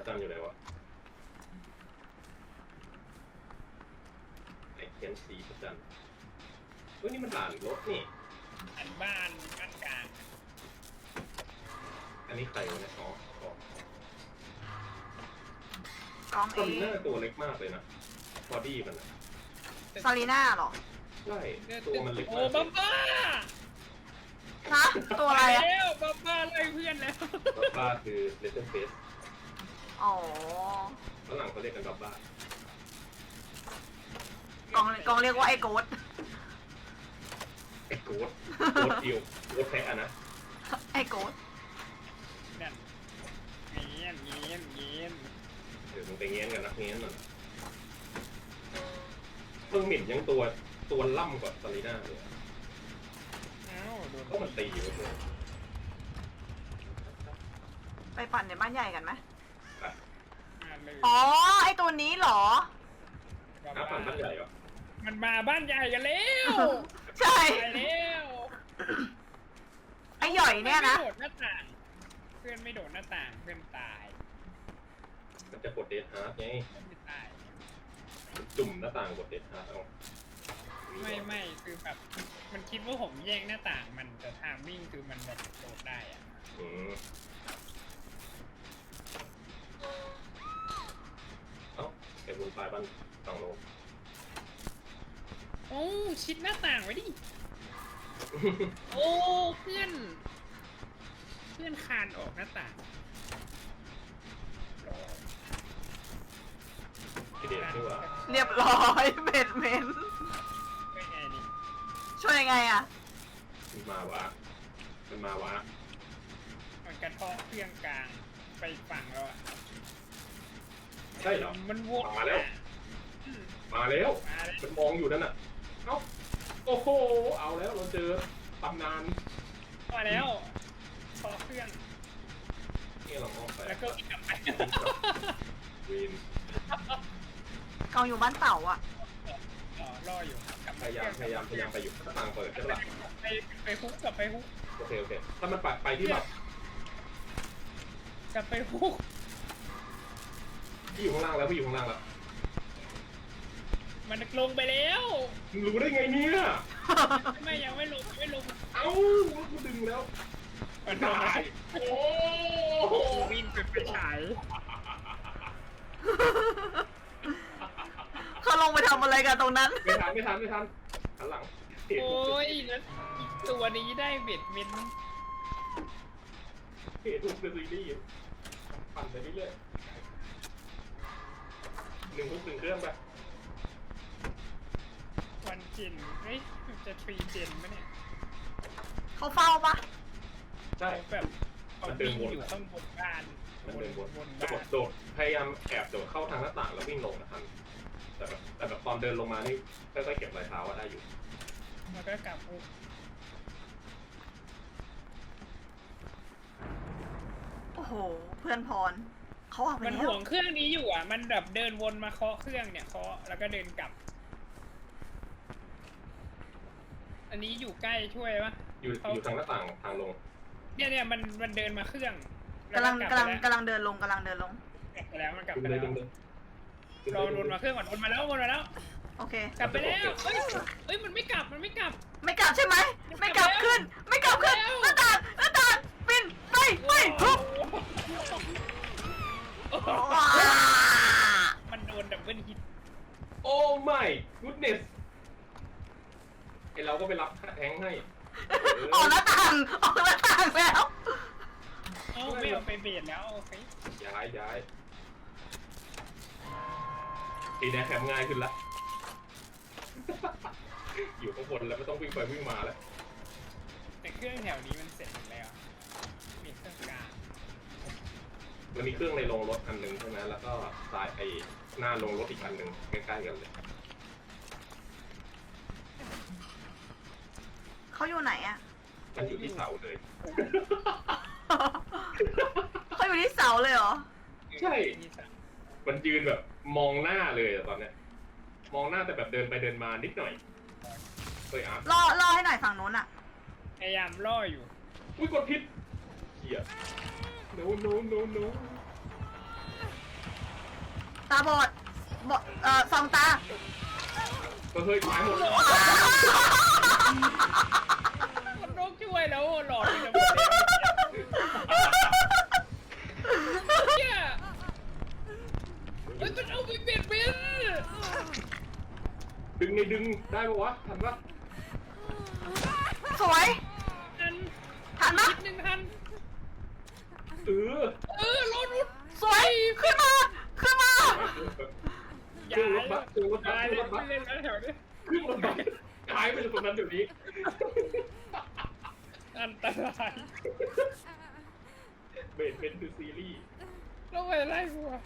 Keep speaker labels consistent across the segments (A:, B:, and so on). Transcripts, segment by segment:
A: จันอยู่ไหนวะไอเขียนสีพระจันเฮ้ยนี่มันด่านรถนี่
B: อันบ้านกลาง
A: อันนี้ใครวะเนี่ยอ๋อก
C: อง
A: ซา
C: เอ
A: ลีน่าตัวเล็กมากเลยนะบอดี้มันนะ
C: ซาลีน่าเหรอ
A: ใช่ตัวมันเล็ก
B: โอ้
A: มาก
B: บัมบ้า
C: ฮะตัวอะไรอะ
B: แล้วบัมบ้าไล่เพื่อนแล้ว
A: บับบ้าคือเลเซอร์เฟส
C: อ๋อ
A: ฝรั่งเขาเรียกกันบับบ้าก
C: องเรียกว่าไอ้โกด
A: ไอ้โกดอิวโกดแพ้อะนะ
C: ไอ้โกด
B: นั่นเงี้ยน
A: เดี๋ยวมึงไปเงี้ยนกันนักเงี้ยนมันเพิ่งหมิ่นยังตัวล่ำกว่าซาลีน่าเลย
B: เอ้าโดน
A: ก็มันตีอยู่เลย
C: ไปปั่นในบ้านใหญ่กันไหม
B: เลย
C: อ๋อ ไอ้ตัวนี้เหรอ
A: น้าปั่นบ้านใหญ่เหรอ
B: มันมาบ้านใหญ่กันแล้ว
C: ใช่
B: ตายแล้ว
C: ไอ้หย่อยเนี่ยนะ
B: ไม่โดดหน้าต่างเพื่อนไม่โดดหน้าต่างเพื่อนตาย
A: มันจะกดเดทฮาร์ดไง
B: เพื่อนไม่ตาย
A: จุ่มหน้าต่างกดเดทฮาร์ดเอา
B: ไม่คือแบบมันคิดว่าผมแย่งหน้าต่างมันแต่ทางวิ่งคือมันแบบโดดได้อะ
A: อืมเอ้าไอ้บุญปลายบ้านฝั่งโน้น
B: โอ้ชิดหน้าต่างไว้ดิ โอ้เพื่อนคานออกหน้าต่าง
A: ที่เด็ดที่ว่า
C: เรียบร้อยเบ็ดเมน
B: เป็นไงนี่
C: ช่วยยังไงอะ
A: มันมาวะ
B: มันกระเทาะเครื่องกลางไปฝั่งแล้วอะ
A: ใช่เหรอ
B: มันวน
A: มาแล้ว
B: อืม
A: มาแล้ว
B: มาแล้ว
A: มันมองอยู่นั่นน่ะเอ้าโอ้โหเอาแล้วเราเจอตำนาน
B: มาแล้วเทาะเครื่อง
A: นี่เรามองไป
B: แล้วก็วิ่งกลับไป
A: วีน
C: กองอยู่บ้านเต่าอะ
B: อ๋อรออยู่กลับ
A: พยายามไปอยู่หน้าต่างเปิดใช่ปะ
B: ไปฮุกกลับไปฮุก
A: โอเคถ้ามันไปที่แบบ
B: กลับไปฮุก
A: พี่อยู่ข้างล่างแล้ว
B: มันลงไปแล้ว
A: มึงรู้ได้ไงเนี่ย
B: ไม่ยังไม่ลง
A: เอ้ากูดึงแล้ว
B: มันลง
A: ตายโอ้โห
B: วิ่งไปฉาย
C: เขาลงไปทำอะไรกันตรงนั้น
A: ไม่ทันหันหลัง
B: โอ้ยแล้วตัวนี้ได้เบ็ดเม็น
A: เหตุถูกเป็นซีรีส์ปั่นไปเรื่อยๆ1 เครื่องไป
B: วันเจนเฮ้ยมันจะทรีเจนไหมเนี่ย
C: เขาเฝ้าปะ
A: ใช่
B: แบบเอาวิ่งอยู่ข้างบนบ้าน
A: มันเดินวน
B: บน
A: จะ
B: บ้าน
A: โดดพยายามแอบโดดเข้าทางหน้าต่างแล้ววิ่งลงนะครับแต่แบบตอนเดินลงมานี่ค่อยๆเก็บรอยเท้าได้อยู่
B: แล้วก็กลับฮุก
C: โอ้โห เพื่อนพร เขาออกไป
B: มัน
C: แล้
B: ห่
C: ว
B: วงเครื่องนี้อยู่อ่ะ มันแบบเดินวนมาเคาะเครื่องเนี่ยเคาะแล้วก็เดินกลับ อันนี้อยู่ใกล้ช่วยปะ
A: อยู่ทางหน้าต่างทางลง
B: เนี่ยมันเดินมาเครื่อง
C: กำลัง
B: แว
C: กำลัง
B: ไป
C: กำลังเดินลง
B: กลับไปแล้วมันกลับ
A: ดึง
B: ไป
A: เล
B: แล้
A: ยว ดึงเลย
B: รอวนมาเครื่องก่อนวนมาแล้ว
C: โอเค
B: กลับไปแล้วเอ้ยมันไม่กลับ
C: ไม่กลับใช่ไหม ไม่กลับขึ้น หน้าต่างปินไปทุบ ว้า
B: มันโดนดับเบิลฮิต
A: โอ้ไม่กูดเนสไอเราก็ไปรับแทงให้
C: ออกหน้าต่างแล้ว
B: เอ้าไม่เอาไปเบียดแล้วโอเค
A: ย้ายทีนี้แคมง่ายขึ้นละอยู่ข้างบนแล้วไม่ต้องวิ่งไปวิ่งมาแล้ว
B: แต่เครื่องแถวนี้มันเสร็จหมดแล้ว มีเครื่องกลาง
A: มันมีเครื่องในโรงรถอันหนึ่งใช่ไหมแล้วก็สายไอหน้าโรงรถอีกอันหนึ่งใกล้ๆกันเลย
C: เขาอยู่ไหนอะ
A: มันอยู่ที่เสาเลย
C: เขาอยู่ที่เสาเลยเหรอ
A: ใช่ มันยืนแบบมองหน้าเลยอะตอนเนี้ย มองหน้าแต่แบบเดินไปเดินมานิดหน่อยเฮ้ยอาร์ต
C: ล่อให้หน่อยฝั่งนู้นอะ
B: พยายามล่ออยู่
A: อุ้ยกดผิดเหี้ย no
C: ตาบอดสองตา
A: ก็เฮ้ยหายหมดเลย
B: คนนกช่วยแล้วหลอดไปหมดเนี่ยมันเอาไปเปลี่ยนเป็น
A: ดึงได้ปะวะทันปะ
C: สวย
B: ทัน
C: ทันปะ
B: นิดนึงทัน รถ
C: สวยขึ้นมาขึ้นมา
A: เครื่องรถบัสเครื่องรถบั
B: ตาย
A: ส
B: เลย
A: เครื่องรถบัส
B: เล่นแล้วแถวนี้
A: เครื่องรถบัสหายไปจากตรงนั้นเดี๋ยวนี้
B: อันตราย
A: เบสเป็นคือซีรีส์
B: แล้วไปไล่กูอะ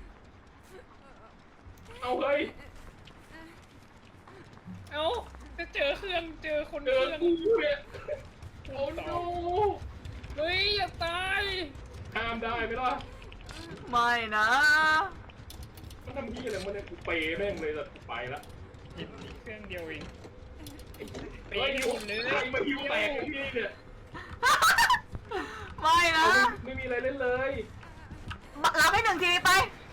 A: เอาเฮ้ย
B: เอ้าจะเจอเครื่องเจอคน
A: เจ
B: เค
A: อ
B: รื่อง
A: กูเนี่ยโอ้โน
B: เฮ้ยอย่าตาย
A: ห้ามได้ไหมล่ะ
C: ไม่นะ
A: มันทำพี่อะไรมันเนี่ยกูเปย์แม่งเลยแต่กูไปละ
B: เห็นมีเครื่องเดียวเอง
A: เฮ้ยใครมาหิวแตกกับพี่เนี่ย
C: ไม่นะ
A: เอาไม่มีอะไรเล่นเลย
C: รับให้หนึ่งทีไป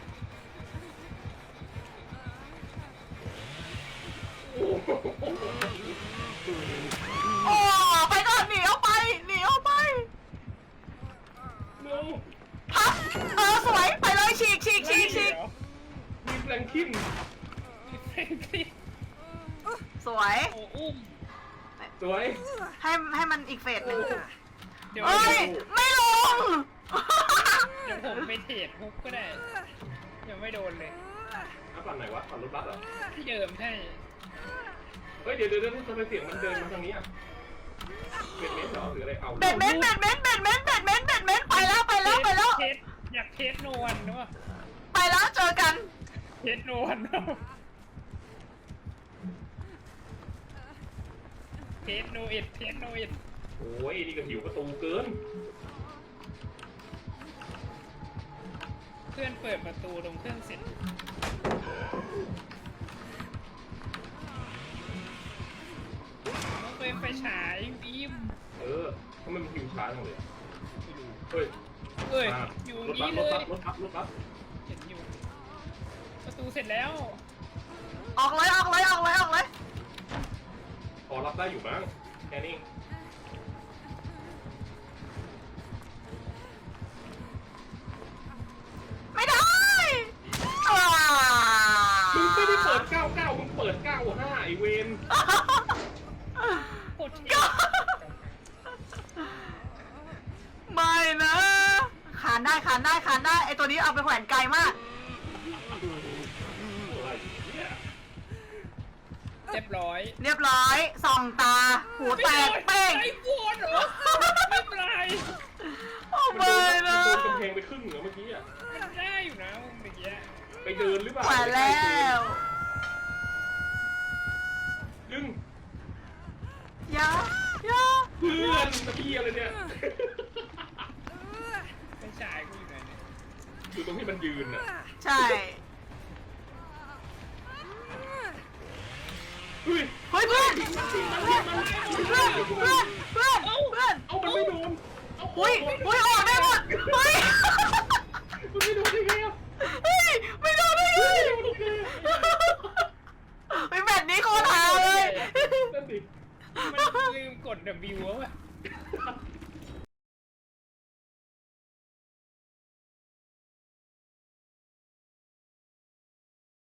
A: โอ้โห
C: โอ้ไปก่อนหนีออกไปหนีออกไป
A: no
C: พับสวยไปเลยฉีก
A: มีแฟรงคิน
C: สวย
B: โอ้อุ้ม
A: สวย
C: ให้มันอีกเฟสหนึ่ง
B: เดี๋ยว
C: เอ้ยไม่ลง
B: ผมไปเทรดฮุกก็ได้ยังไม่โดนเลย
A: ฝั่งไหนวะฝั่งรถบัสเหรอ
B: ที่เดิมใช่
A: เฮ้ยเดี๋ยวทำไมเสียงมันเดินมาทางนี้อ่ะเบสเมนต์เหรอหรืออะไรเอา
C: เบ็ดเม้นไปแล้ว
B: เทสอยากเทสโนวันนะวะ
C: ไปแล้วเจอกัน
B: เทสโนวันเทสโนเอ็ด
A: โอ้ยนี่ก็หิวประตูเกิน
B: เพื่อนเปิดประตูตรงเครื่องเสร็จต้องไปไฟฉายบีม
A: ทำไมมันหิวช้าจังเลยเฮ้ย
B: เอ้ย
A: มา
B: อยู่
A: รถบั
B: นี่
A: ส
B: เลย
A: รถบัส
B: เห็นอยู่ประตูเสร็จแล้ว
C: ออกเลย
A: พอรับได้อยู่มั้งแค่นี้
C: ไม่ได้
A: มึงไม่ได้เปิด 99มึงเปิด 95ไอเวน
B: โคตรเท่
C: ไม่นะขานได้ไอตัวนี้เอาไปแขวนไกลมาก
A: อะไรเนี่ย
B: เรียบร้อย
C: เรียบร้อยส่องตา หูแตกเป้ง
B: ไอ้บวนเหรอไม่เป็นไร
C: โอ้
A: มัน
C: ไม่
A: โด
C: นะ
A: นกำแพงไปครึ่งเหรอเมื่อกี้อ่ะ
B: มันได้อยู่นะมึงเมื่อกี้
A: ไปเดินหรือเปล่า
C: แขวนแล้ว
A: ดึง
C: อย่า
A: เพื่อนตะกี้อะไรเนี่ย
B: ไปฉายกูอยู่ไหนเนี่ย
A: อยู่ตรงที่มันยืนอ่ะ
C: ใช่
A: เฮ้ย
C: เฮ้ยเพื่อน
A: เอามันไม่โดนเอา
C: อุ้ยออกได้หมดเฮ้ย
A: มันไม่โดนได้ไงอ่ะ
C: เฮ้ยไม่โดนได้ไง
A: ไม่โดนได้ไงอ่ะ
C: เฮ้ยแบบนี้โคตรหาเลย
A: นั่นดิ
B: มันลืมกด W วะ